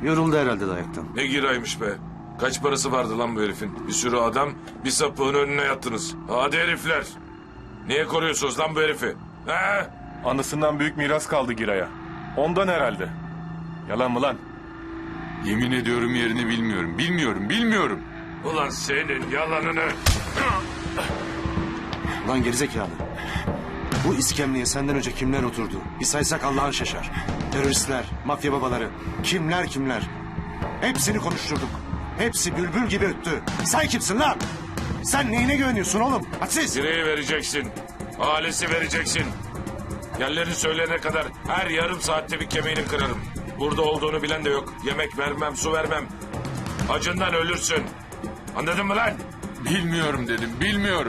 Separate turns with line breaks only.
Yoruldu herhalde dayaktan.
Ne giraymış be. Kaç parası vardı lan bu herifin? Bir sürü adam, bir sapığın önüne yattınız. Hadi herifler. Niye koruyorsunuz lan bu herifi? He?
Anısından büyük miras kaldı Giray'a. Ondan herhalde. Yalan mı lan?
Yemin ediyorum yerini bilmiyorum. Bilmiyorum.
Ulan senin yalanını.
Lan gerizekalı. Bu iskemleye senden önce kimler oturdu? Bir saysak Allah'ın şaşar. Teröristler, mafya babaları, kimler. Hepsini konuşturduk. Hepsi bülbül gibi öttü. Sen kimsin lan? Sen neyine güveniyorsun oğlum? Hadsiz.
Direği vereceksin. Ailesi vereceksin. Yerlerini söyleyene kadar her yarım saatte bir kemiğini kırarım. Burada olduğunu bilen de yok. Yemek vermem, su vermem. Acından ölürsün. Anladın mı lan?
Bilmiyorum dedim. Bilmiyorum.